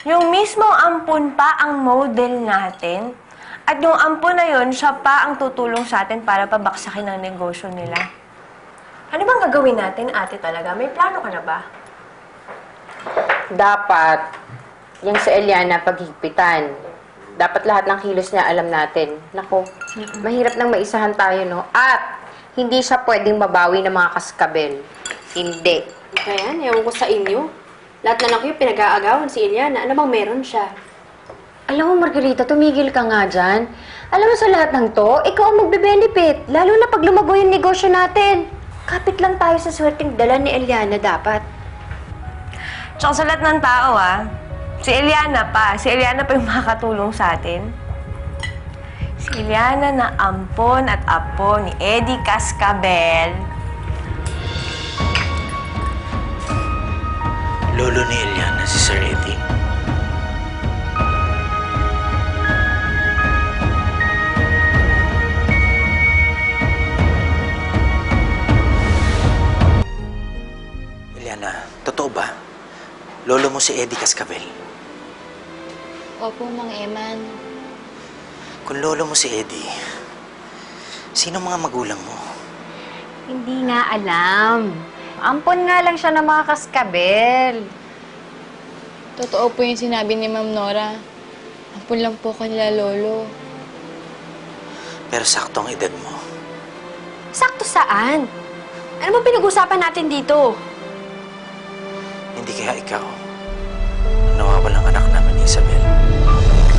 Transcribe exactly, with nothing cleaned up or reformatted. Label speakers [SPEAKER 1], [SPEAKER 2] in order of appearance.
[SPEAKER 1] Yung mismong ampon pa ang model natin. At yung ampon na yun, siya pa ang tutulong sa atin para pabaksakin ang negosyo nila. Ano bang gagawin natin, ate talaga? May plano ka na ba?
[SPEAKER 2] Dapat, yung sa Eliana, paghigpitan. Dapat lahat ng kilos niya alam natin. Naku, mahirap nang maisahan tayo, no? At, hindi siya pwedeng mabawi ng mga kaskabel. Hindi.
[SPEAKER 3] Ayan, ewan ko sa inyo. Lahat na lang kayo pinag-aagawan si Eliana. Ano bang meron siya?
[SPEAKER 2] Alam mo, Margarita, tumigil ka nga dyan. Alam mo sa lahat ng to, ikaw ang magbe-benefit. Lalo na pag lumago yung negosyo natin. Kapit lang tayo sa swerteng dala ni Eliana dapat.
[SPEAKER 1] Tsaka sa lahat ng tao, ah, si Eliana pa. Si Eliana pa yung makakatulong sa atin. Si Eliana na ampon at apo ni Eddie Cascabel.
[SPEAKER 4] Lolo ni Eliana, si Sir Eddie. Eliana, totoo ba? Lolo mo si Eddie Cascabel.
[SPEAKER 5] Opo, Mang Eman.
[SPEAKER 4] Kung lolo mo si Eddie, sino mga magulang mo?
[SPEAKER 2] Hindi nga alam. Ampon nga lang siya ng mga kaskabel.
[SPEAKER 5] Totoo po yung sinabi ni Ma'am Nora. Ampun lang po kanila, Lolo.
[SPEAKER 4] Pero sakto ang edad mo.
[SPEAKER 3] Sakto saan? Ano bang pinag-usapan natin dito?
[SPEAKER 4] Hindi kaya ikaw ang nawawalang anak namin ni Isabel.